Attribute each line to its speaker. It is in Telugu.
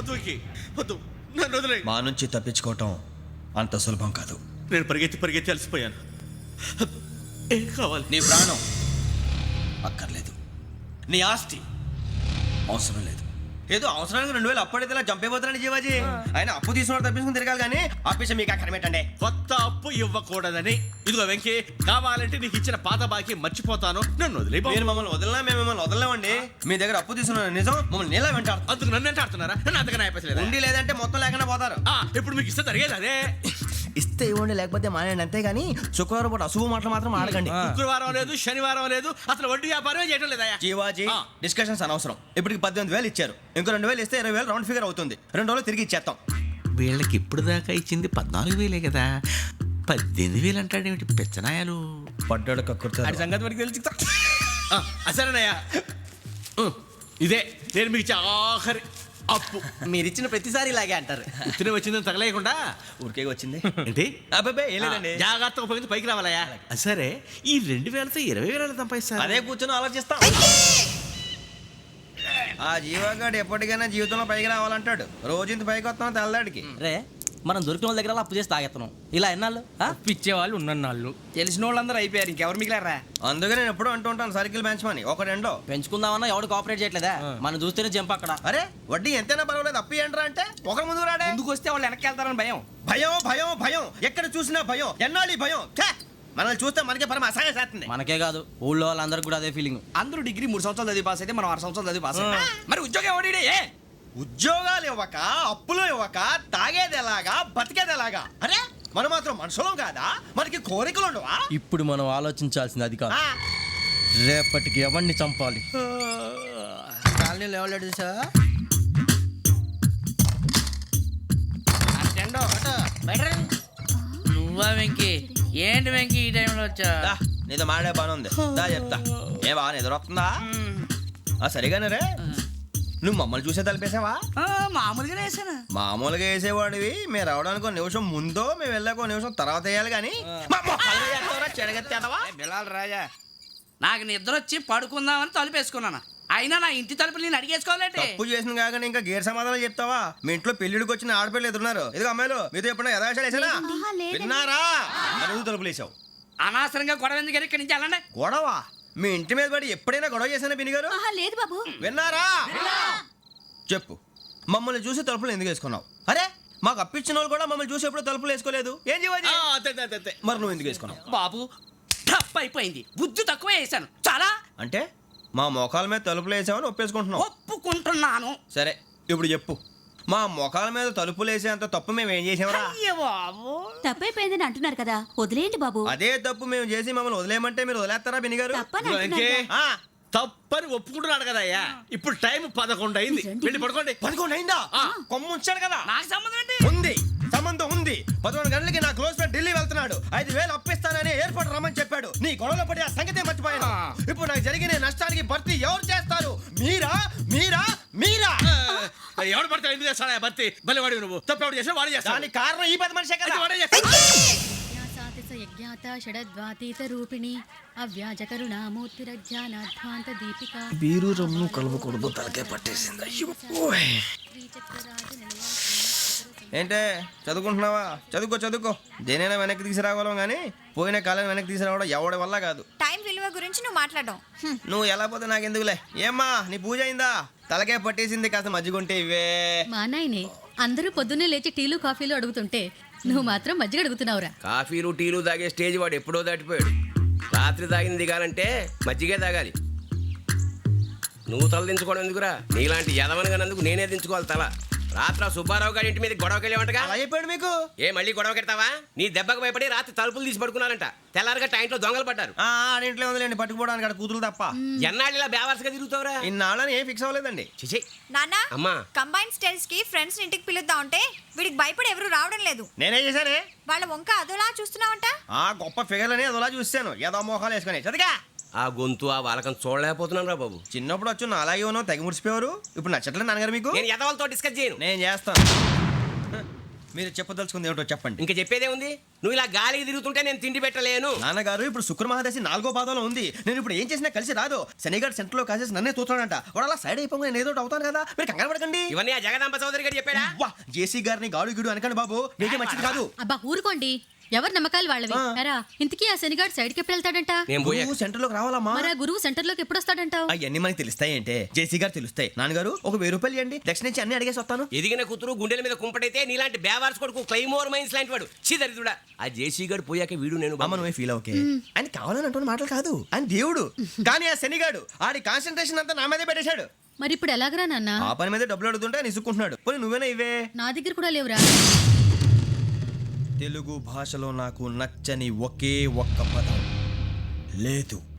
Speaker 1: వద్దు వెంకీ వద్దు, నన్ను వదిలే.
Speaker 2: మా నుంచి తప్పించుకోవటం అంత సులభం కాదు.
Speaker 1: నేను పరిగెత్తి అలసిపోయాను. ఏం కావాలి?
Speaker 2: నీ ప్రాణం అక్కర్లేదు, నీ ఆస్తి అవసరం లేదు. ఏదో అవసరానికి 2000 అప్పుడైతే ఇలా చంపేపోతానని జీవాజీ. ఆయన అప్పు తీసుకున్న తప్పించుకుని తిరగాలి కానీ ఆపేసి మీకు అక్కడ పెట్టండి.
Speaker 1: కొత్త అప్పు ఇవ్వకూడదని. ఇదిగో వెంకీ, కావాలంటే నీకు ఇచ్చిన పాత బాకీ మర్చిపోతాను, నన్ను వదిలే.
Speaker 2: మీరు మమ్మల్ని వదలనా? మేము మిమ్మల్ని వదలలేమండి. మీ దగ్గర అప్పు తీసుకున్న నిజం మమ్మల్ని నీలా వెంటాడు.
Speaker 1: అందుకు నన్ను ఎంత ఆడుతున్నారా? నన్ను అంతగా నాయపసలేదు.
Speaker 2: ఉండి లేదంటే మొత్తం లేకుండా పోతారు.
Speaker 1: ఇప్పుడు మీకు ఇస్తే జరిగేది అదే.
Speaker 2: ఇస్తే ఇవ్వండి, లేకపోతే మానేయండి, అంతేగాని శుక్రవారం పూట అశుభ మాటలు మాత్రం ఆడకండి.
Speaker 1: శుక్రవారం లేదు, శనివారం లేదు, అసలు వడ్డీ వ్యాపారమే చేయడం లేదా?
Speaker 2: జీవాజీ డిస్కషన్స్ అనవసరం. ఇప్పటికి 18,000 ఇచ్చారు, ఇంకో 2,000 ఇస్తే 20,000 రౌండ్ ఫిగర్ అవుతుంది. 2 రోజులు తిరిగి ఇచ్చేస్తాం.
Speaker 1: వీళ్ళకి ఇప్పుడు దాకా ఇచ్చింది 14,000 కదా, 18,000 అంటాడేమిటి పెచ్చనాయాలు?
Speaker 2: పడ్డాడు కక్కుర్తాడు.
Speaker 1: సంగతి వరకు తెలిసి అసలేనయ్యా, ఇదే నేను మీకు ఇచ్చే ఆఖరి అప్పు.
Speaker 2: మీరిచ్చిన ప్రతిసారి ఇలాగే అంటారు.
Speaker 1: తిని వచ్చిందని తగలేయకుండా
Speaker 2: ఊరికే వచ్చింది
Speaker 1: ఏంటి?
Speaker 2: అబ్బాయి ఏం లేదండి.
Speaker 1: జాగ్రత్తగా ఉపయోగించి పైకి రావాలయ్యా. సరే, ఈ 2,000తో 20,000 సంపాదిస్తారు.
Speaker 2: అదే కూర్చొని ఆలోచిస్తాం. ఆ జీవగాడు ఎప్పటికైనా జీవితంలో పైకి రావాలంటాడు. రోజు ఇంత పైకి వస్తాం తెల్లడికి.
Speaker 3: రే, మనం దొరికిన వాళ్ళ దగ్గర అప్పు చేసి తాగెత్తనం. ఇలా ఎన్నాళ్ళు
Speaker 4: పిచ్చేవాళ్ళు ఉన్నన్నాళ్ళు తెలిసిన వాళ్ళందరూ అయిపోయారు, ఇంకెవరు మిగిలారా?
Speaker 2: అందుకే నేను ఎప్పుడు అంటూ ఉంటాను సర్కిల్ బెంచ్ మని ఒక రెండో
Speaker 3: పెంచుకుందామన్నా ఎవడు కోఆపరేట్ చేయట్లేదా? మనం చూస్తేనే జంప్ అక్కడ.
Speaker 2: అరే వడ్డీ ఎంతైనా పర్వాలేదు, అప్పు ఏంట్రా అంటే ఒక ముందు రాడే.
Speaker 4: ముందుకు వస్తే వాళ్ళు వెనక్కి వెళ్తారని భయం.
Speaker 2: భయం భయం భయం, ఎక్కడ చూసినా భయం. ఎన్నాళ్ళు ఈ భయం? మనల్ని చూస్తే మనకే పరమ అసహాయం చేస్తుంది.
Speaker 3: మనకే కాదు, ఊళ్ళో వాళ్ళందరికీ కూడా అదే ఫీలింగ్.
Speaker 4: అందరూ డిగ్రీ 3 సంవత్సరాలు చదివి పాస్ అయితే మనం 6 సంవత్సరాలు చదివి పాస్ మరి ఉద్యోగం ఎవడి?
Speaker 2: ఉద్యోగాలు ఇవ్వక, అప్పులు ఇవ్వక, తాగేది ఎలాగా, బతికేది ఎలాగా? అరే మనం మాత్రం మనుషులం కాదా? మనకి కోరికలు ఉండవా?
Speaker 3: ఇప్పుడు మనం ఆలోచించాల్సింది అది కాదు, రేపటికి ఎవరిని చంపాలి.
Speaker 4: కాలనీలో ఎవరు సార్?
Speaker 5: నువ్వా వెంకీ? ఏంటి వెంకీ ఈ టైంలో వచ్చా?
Speaker 2: నీతో మాడే పని ఉంది, దా చెప్తా. ఏ బాగా నిద్రొస్తుందా? సరిగానే రే, నువ్వు మమ్మల్ని చూసే తలిపేసావా?
Speaker 5: మామూలుగానే వేసాను.
Speaker 2: మామూలుగా వేసేవాడివి. మేము రావడానికి 1 నిమిషం ముందో, మేము వెళ్ళాక 1 నిమిషం తర్వాత వేయాలి కానీ
Speaker 4: బిలాల్ రాజా,
Speaker 5: నాకు నిద్ర వచ్చి పడుకుందామని తలుపు వేసుకున్నాను. అయినా నా ఇంటి తలుపులు నేను అడిగేసుకోవాలంటే
Speaker 2: తప్పు చేసిన కాక ఇంకా గేర్ సమాధానం చెప్తావా? మీ ఇంట్లో పెళ్లిడికి వచ్చిన ఆడపిల్లలు ఎదురున్నారు. ఇదిగో అమ్మాయిలు, మీతో ఎప్పుడైనా యథాశాలు వేసానా? విన్నారా? అడుగు తలుపులు వేసావు.
Speaker 5: అనవసరంగా గొడవ ఎందుకు? ఇక్కడి నుంచి వెళ్ళండి.
Speaker 2: గొడవ? మీ ఇంటి మీద పడి ఎప్పుడైనా గొడవ చేశానా బిని గారు?
Speaker 6: లేదు బాబు.
Speaker 2: విన్నారా? చెప్పు, మమ్మల్ని చూసి తలుపులు ఎందుకు వేసుకున్నావు? అరే మాకు అప్పించిన వాళ్ళు కూడా మమ్మల్ని చూసి ఎప్పుడు తలుపులు వేసుకోలేదు. ఏం చేయాలి? మరి నువ్వు ఎందుకు వేసుకున్నావు?
Speaker 5: బాబు టప్ అయిపోయింది, బుద్ధి తక్కువ వేసాను చాలా.
Speaker 2: అంటే మా మోకాల మీద తలుపులు వేసామని ఒప్పేసుకుంటున్నావు?
Speaker 5: ఒప్పుకుంటున్నాను.
Speaker 2: సరే ఇప్పుడు చెప్పు, మా మొఖాల మీద తలుపులు వేసేంత తప్పు మేము ఏం చేసామరా?
Speaker 5: అయ్యో బాబు,
Speaker 6: తప్పైపోయిందని అంటున్నారు కదా, వదిలేయండి బాబు.
Speaker 2: అదే తప్పు మేము చేసి మమ్మల్ని వదిలేయమంటే మీరు వదిలేస్తారా బినిగారు?
Speaker 6: తప్పని అంటున్నారు కదా.
Speaker 1: తప్పని ఒప్పుకుంటున్నాడు కదా అయ్యా. ఇప్పుడు టైం 11 అయింది, వెళ్ళి పడుకోండి.
Speaker 2: 11 అయిందా? కొమ్ము ఉంచాడు కదా.
Speaker 5: నాకు సంబంధం ఏంటి?
Speaker 2: ఉంది, సంబంధం ఉంది. 11 గంటలకి నా క్లోజ్ ఫ్రెండ్ ఢిల్లీ వెళ్తున్నాడు. 5,000 అప్పిస్తానని ఎయిర్పోర్ట్ రమ్మని చెప్పాడు. నీ గొడవలో పడి ఆ సంగతే మర్చిపోయాను. ఇప్పుడు నాకు జరిగిన నష్టానికి భర్తీ ఎవరు చేస్తారు? మీరా మీరా మీరా?
Speaker 1: ఎవడు పడితే ఎందుకు చేస్తాడా భర్తీ? మళ్ళీ వాడి నువ్వు తప్పు ఎవడు చేసా వాడు చేస్తా.
Speaker 2: దానికి కారణం ఈ 10 మనిషే కదా.
Speaker 1: వాడే చేస్తాడు.
Speaker 6: యజ్ఞాత షడద్వాతీత రూపిణి అవ్యాజ కరుణామూర్తిరజ్ఞానాధ్వాంత దీపిక
Speaker 2: బీరు రమ్ము కలవకూడదు, తలకే పట్టేసింది. ఏంటే చదువుకుంటున్నావా? చదువుకో. దేనైనా వెనక్కి తీసుకురావాలం కానీ పోయిన కాలం వెనక్కి తీసుకురావడం ఎవడి వల్ల కాదు.
Speaker 6: టైం విలువ గురించి నువ్వు మాట్లాడడం.
Speaker 2: నువ్వు ఎలా పోతే నాకెందుకులే. ఏమ్మా నీ పూజ అయిందా? తలకే పట్టేసింది, కాస్త మజ్జిగుంటే ఇవే.
Speaker 6: మా నాయనే అందరూ పొద్దున్నే లేచి టీలు కాఫీలు అడుగుతుంటే నువ్వు మాత్రం మజ్జిగ అడుగుతున్నావురా.
Speaker 7: కాఫీలు టీలు తాగే స్టేజ్ వాడు ఎప్పుడో దాటిపోయాడు. రాత్రి తాగింది దిగాలంటే మజ్జిగే తాగాలి. నువ్వు తల దించుకోవడం ఎందుకురా? నీలాంటి యదవనగానందుకు నేనే దించుకోవాలి తల. రాత్రి సుబ్బారావు గారి ఇంటి మీద గొడవకి వెళ్ళేవంటగా.
Speaker 2: అలా చెప్పాడు మీకు?
Speaker 7: ఏ మళ్ళీ గొడవ కెడతావా? నీ దెబ్బకు భయపడి రాత్రి తలుపులు తీసి పడుకున్నారంట. తెల్లారగా టైంట్లో దొంగలు పడ్డారు.
Speaker 2: ఆడింట్లో ఉందిలేండి, పట్టుకుపోవడానికి అక్కడ కూతురు తప్ప.
Speaker 7: ఎన్నాళ్ళు ఇలా బేవర్స్గా తిరుగుతావురా?
Speaker 2: ఇన్నాళ్ళని ఏం ఫిక్స్ అవ్వలేదండి.
Speaker 7: చిచి
Speaker 8: నాన్న,
Speaker 7: అమ్మా,
Speaker 8: కంబైన్ స్టైల్స్ కి ఫ్రెండ్స్ ఇంటికి పిలుద్దాం అంటే వీడికి భయపడి ఎవరు రావడం లేదు.
Speaker 2: నేనే చేశానే.
Speaker 8: వాళ్ళ వంక అదోలా చూస్తున్నావంట.
Speaker 2: ఆ గొప్ప ఫిగర్లని అదోలా చూస్తాను, ఏదో మోహాలు వేసుకొని. చదిగా
Speaker 7: ఆ గొంతు ఆ వాలకం చూడలేకపోతున్నాను రా బాబు.
Speaker 2: చిన్నప్పుడు వచ్చి నా అలాగే ఉన్నావు, తెగ ముడిచిపోయారు. ఇప్పుడు నచ్చట్లేదు నాన్నగారు మీకు?
Speaker 7: నేను యదవలతో డిస్కస్ చేయను.
Speaker 2: నేను చేస్తాను. మీరు చెప్పదలుచుకుంది ఏమిటో చెప్పండి.
Speaker 7: ఇంకా చెప్పేదే ఉంది. నువ్వు ఇలా గాలికి తిరుగుతుంటే నేను తిండి పెట్టలేను.
Speaker 2: నాన్నగారు ఇప్పుడు శుక్ర మహాదశి 4వ పాదంలో ఉంది. నేను ఇప్పుడు ఏం చేసినా కలిసి రాదు. శనిగారు సెంటర్ లో కాసేసి నన్నే చూస్తాడంట. వాడు అలా సైడ్ అయిపోయి నేను ఏదో ఒకటి అవుతాను కదా, మీరు కంగారు పడకండి.
Speaker 7: ఇవన్నీ ఆ జగదాంబ చౌదరి గారు చెప్పాడా?
Speaker 2: వా జేసీ గారిని గాడు గిడు అనకండి బాబు, మీకే మంచిది కాదు.
Speaker 6: అబ్బా ఊరుకోండి, ఎవరి నమ్మకాలు వాళ్ళవి. ఎరా ఇంతకీ ఆ శనిగాడు సైడ్కి ఎప్పుడు వెళ్తాడంట?
Speaker 7: నేను పోయా.
Speaker 2: నువ్వు సెంటర్ లోకి రావాలమ్మా.
Speaker 6: మరి ఆ గురువు సెంటర్ లోకి ఎప్పుడు వస్తాడంటావు?
Speaker 2: అవన్నీ మనకి తెలుస్తాయి అంటే జేసీ గారు తెలుస్తాయి. నాన్నగారు ఒక 1000 రూపాయలు ఇవ్వండి, దక్షిణ నుంచి అన్ని అడిగేసి వస్తాను.
Speaker 7: ఎదిగిన కూతురు గుండెల మీద కుంపటైతే నీలాంటి బేవార్స్ కొడుకు క్లైమోర్ మైన్స్ లాంటి వాడు చీదరిదుడా. ఆ జేసీ గారు పోయాక వీడు నేను
Speaker 2: అమ్మ నువ్వే ఫీల్ ఓకే. ఆయన కావాలని అంటున్న మాటలు కాదు, ఆయన దేవుడు. కానీ ఆ శనిగాడు ఆడి కాన్సన్ట్రేషన్ అంతా నా మీదే పెట్టేశాడు.
Speaker 6: మరి ఇప్పుడు ఎలాగరా నాన్న?
Speaker 2: ఆ పని మీద డబ్బులు అడుగుతుంటే ఆయన ఇసుక్కుంటున్నాడు. పోనీ నువ్వేనా ఇవే.
Speaker 6: నా దగ్గర కూడా లేవురా.
Speaker 2: తెలుగు భాషలో నాకు నచ్చని ఒకే ఒక్క పదం లేదు.